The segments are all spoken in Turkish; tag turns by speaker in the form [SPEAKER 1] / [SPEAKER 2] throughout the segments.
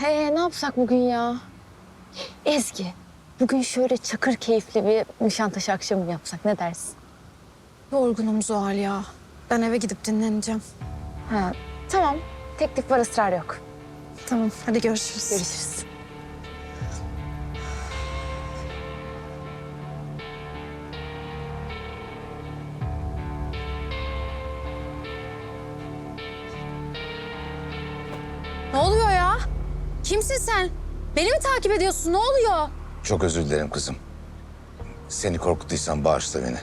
[SPEAKER 1] Ne yapsak bugün ya? Ezgi, bugün şöyle çakır keyifli bir Nişantaşı akşamı mı yapsak, ne dersin?
[SPEAKER 2] Yorgunum Zuhal ya. Ben eve gidip dinleneceğim.
[SPEAKER 1] Ha, tamam. Teklif var, ısrar yok.
[SPEAKER 2] Tamam, hadi görüşürüz.
[SPEAKER 1] Görüşürüz.
[SPEAKER 2] Ne oluyor ya? Kimsin sen? Beni mi takip ediyorsun? Ne oluyor?
[SPEAKER 3] Çok özür dilerim kızım. Seni korkuttuysam bağışla beni.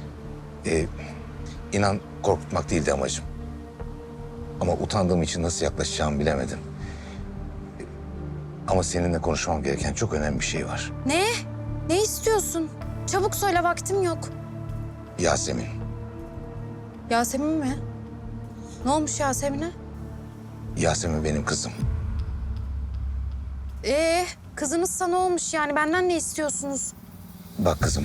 [SPEAKER 3] İnan korkutmak değildi amacım. Ama utandığım için nasıl yaklaşacağımı bilemedim. Ama seninle konuşmam gereken çok önemli bir şey var.
[SPEAKER 2] Ne? Ne istiyorsun? Çabuk söyle, vaktim yok.
[SPEAKER 3] Yasemin.
[SPEAKER 2] Yasemin mi? Ne olmuş Yasemin'e?
[SPEAKER 3] Yasemin benim kızım.
[SPEAKER 2] Kızınızsa ne olmuş yani? Benden ne istiyorsunuz?
[SPEAKER 3] Bak kızım.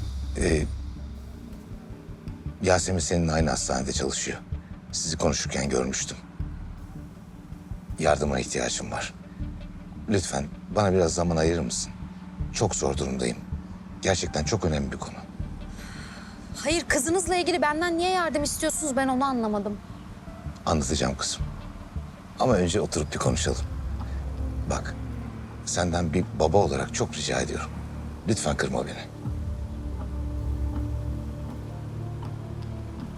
[SPEAKER 3] Yasemin seninle aynı hastanede çalışıyor. Sizi konuşurken görmüştüm. Yardımına ihtiyacım var. Lütfen bana biraz zaman ayırır mısın? Çok zor durumdayım. Gerçekten çok önemli bir konu.
[SPEAKER 2] Hayır, kızınızla ilgili benden niye yardım istiyorsunuz? Ben onu anlamadım.
[SPEAKER 3] Anlatacağım kızım. Ama önce oturup bir konuşalım. Bak, senden bir baba olarak çok rica ediyorum. Lütfen kırma beni.